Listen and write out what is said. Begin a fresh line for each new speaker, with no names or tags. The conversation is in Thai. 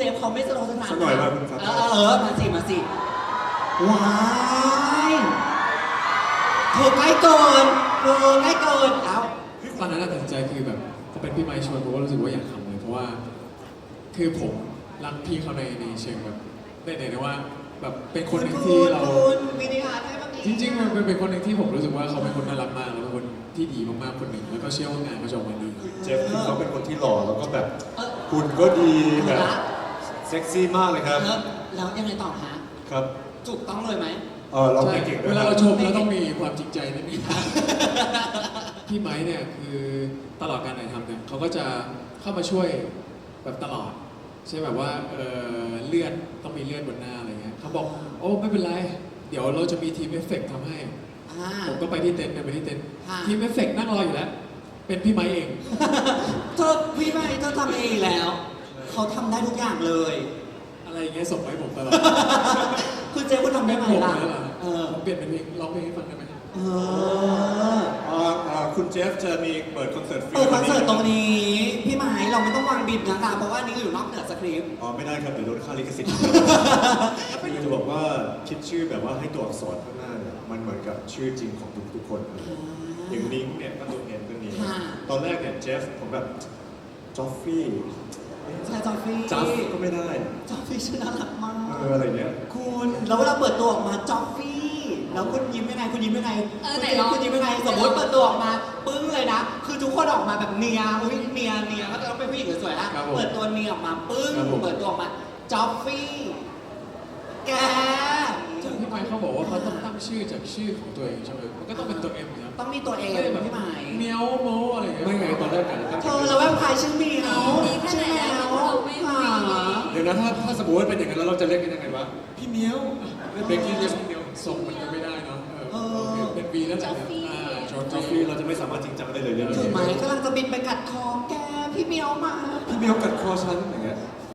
ฟเขาไม่สโลว์สนาน
สักหน่อยมาคุณครับ
มาสิว้ายเธอใกล้เกินเอ้า
ตอนนั้นตัดสินใจคือแบบพอเป็นพี่ไมค์ชวนผมก็รู้สึกว่าอยากทำเลยเพราะว่าคือผมรักพี่เขาในเชิงแบบได้ว่าแบบเป็นคนหนึ่งที่เรา
คุณวินิฮาร์ดให้เมื่อกี้
จริงๆมันเป็นคนหนึ่งที่ผมรู้สึกว่าเขาเป็นคนน่ารักมากแล้วเป็นคนที่ดีมากๆคนหนึ่งแล้วก็เชื่อว่างานเขาจะออกมาดี
เจฟคือเขาเป็นคนที่หล่อแล้วก็แบบหุ่นก็ดีแบบเซ็กซี่มากเลยครับ
แล้วยังไงต่อฮะ
ครับ
ถูกต้องเลยไหม
เรา
ใช่
เก่งด้ว
เวย
ค
ลา
รับ
เราชมเราต้องมีความจริงใจนิดนึง พี่ไม้เนี่ยคือตลอดการถ่ายทำเนี่ยเขาก็จะเข้ามาช่วยแบบตลอดใช่แบบว่าเลือดต้องมีเลือดบนหน้าอะไรเงี้ยเขาบอกโอ้ไม่เป็นไรเดี๋ยวเราจะมีทีมเอฟเฟกต์ทำให้ ผมก็ไปที่เต็นท์ทีมเอฟเฟกต์นั่งรออยู่แล้ว เป็นพี่ไม้เอง
เธอพี่ไม่เธอทำเองอีกแล้ว เขาทำได้ทุกอย่างเลย
อะไรอย่างเงี้ยส่งมาให้ผมตลอด
คือเจ๊คุณทำได้ไหม
ผม
ล่ะ
เลยเหรอผมเปลี่ยนเป็นเพลงร้องเพลงให้ฟังได้ไหม
เออ
คุณเจฟจะมีเปิดคอนเสิร์ตฟรี
เปิดคอนเสิร์ตตรงนี้ พี่ไม้เราไม่ต้องวางบิดนะคะเพราะว่านี่ก็อยู่นอกเหนือสคริปต์
ไม่ได้ครับเดี๋ยวโดนค่าลิขสิทธิ์คือจะบอกว่าคิดชื่อแบบว่าให้ตัวอักษรข้างหน้าเนี่ยมันเหมือนกับชื่อจริงของทุกคนอย่างนิ้งเนี่ยก็ตัวเอ็นก็นี้ตอนแรกเนี่ยเจฟผมแบบจอฟฟี่
ใช่จอฟฟี่
จัฟก็ไม่ได้
จอฟฟี่ชื่อน่ารักมาก
อะไรเนี้ย
คุณแล้วเวลาเปิดตัวออกมาจอฟฟี่แล้วคุณยิ้มยังไงคุณยิ้มยังไง
ไหนลอง
คุณยิ้มยังไงสมมติเปิดตัวออกมาปึ้งเลยนะคือทุกคนออกมาแบบเนียอุ้ยเนียก็จะต้องเป็นผู้หญิงสวยๆนะเปิดตัวเนียออกมาปึ้งเปิดตัวออกมาจอฟฟี่แก
พี่ไม้เขาบอกว่าเขาต้องตั้งชื่อจากชื่อของตัวเองใช่ไหมมันก็ต้องเป็นตัวเอ็มนะ
ต้องมีตัวเอง
ไม่แบบ
พี่ไม้
เมียวโมอะไรอย่างเงี้ย
ไม่ไงตอนแรกกันตั้ง
เธอแล้วแวมไพร์ชื่อเมียว
ดีแค่
ชื่
ไห
อน แม
แล้ว
ว
เราไม่มี
เดี๋ยวนะถ้าสมมติว่าเป็นอย่างนั้นแล้วเราจะเรียกกันยังไงวะพี่เมียวเรียกเบกกี้เรียกพี่เมียว
ส่งมันก็ไม่ได้เนาะโอเคเป็นวีแล้วแต่เนี่ยจอร์
จอฟฟี่เราจะไม่สามารถจริงจังได้เลยเรื่อง
ถือ
นี้
ไหมกำลังจะบินไปกัดคอแกพี่เมียวมา
พี่เมียวกัดคอฉันอย่างเงี้ย